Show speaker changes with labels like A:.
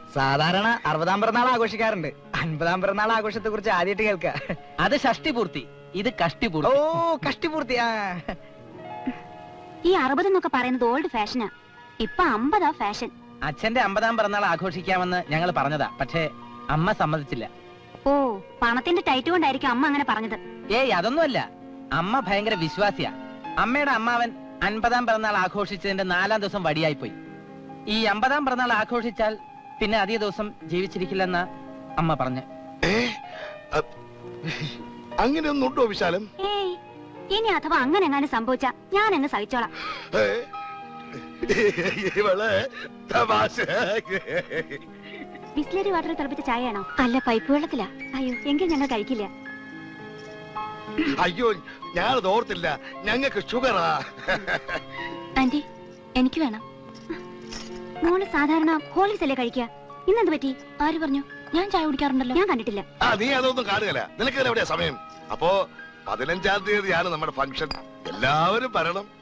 A: സാധാരണ 60-ാം പിറന്നാൾ ആഘോഷിക്കാറുണ്ട്. 50-ാം പിറന്നാൾ ആഘോഷത്തെ കുറിച്ച് ആദ്യമായിട്ട് കേൾക്കാം.
B: അത് ഷഷ്ടിപൂർത്തി, ഇത് കഷ്ടിപൂർത്തി.
A: ഓ, കഷ്ടിപൂർത്തി.
C: ഈ 60 എന്നൊക്കെ പറയുന്നത് ഓൾഡ് ഫാഷനാ. ഇപ്പൊ 50 ഫാഷൻ.
B: അച്ഛന്റെ 50-ാം പിറന്നാൾ ആഘോഷിക്കാമെന്ന് ഞങ്ങൾ പറഞ്ഞതാ, പക്ഷേ അമ്മ സമ്മതിച്ചില്ല.
C: ഓ, പണത്തിന്റെ ടൈറ്റ് കൊണ്ടായിരിക്കും അമ്മ അങ്ങനെ പറഞ്ഞത്.
B: ഏയ്, അതൊന്നുമല്ല. അമ്മ ഭയങ്കര വിശ്വാസിയാ. അമ്മയുടെ അമ്മാവൻ 50-ാം പിറന്നാൾ ആഘോഷിച്ചതിന്റെ 4-ാം ദിവസം വടിയായി പോയി. ഈ 50-ാം പിറന്നാൾ ആഘോഷിച്ചാൽ പിന്നെ അധിക ദിവസം ജീവിച്ചിരിക്കില്ലെന്ന അമ്മ പറഞ്ഞു.
D: അങ്ങനെയൊന്നും ഉണ്ടോ വിശാലം?
C: ഏയ്, ഇനി അഥവാ അങ്ങനെ എങ്ങാനും സംഭവിച്ച ഞാൻ അങ്ങ് സഹിച്ചോളാം. ബിസ്ലറി വാട്ടർ തിളപ്പിച്ച ചായയാണോ? അല്ല, പൈപ്പ് വെള്ളത്തിലാ. അയ്യോ, എങ്കിൽ ഞങ്ങൾ കഴിക്കില്ല.
D: അയ്യോ, ഞാനത് ഓർത്തില്ല. ഞങ്ങൾക്ക് ഷുഗറാ.
C: ആന്റി, എനിക്ക് വേണം. മോള് സാധാരണ ഹോർലിക്സ് അല്ലേ കഴിക്കുക? ഇന്നെന്ത് പറ്റി? ആര് പറഞ്ഞു? ഞാൻ ചായ കുടിക്കാറുണ്ടല്ലോ. ഞാൻ കണ്ടിട്ടില്ല.
D: നീ അതൊന്നും കാണുകയല്ല. നിനക്ക് എവിടെയാ സമയം? അപ്പോ 15-ാം തീയതിയാണ് നമ്മുടെ ഫംഗ്ഷൻ. എല്ലാവരും വരണം.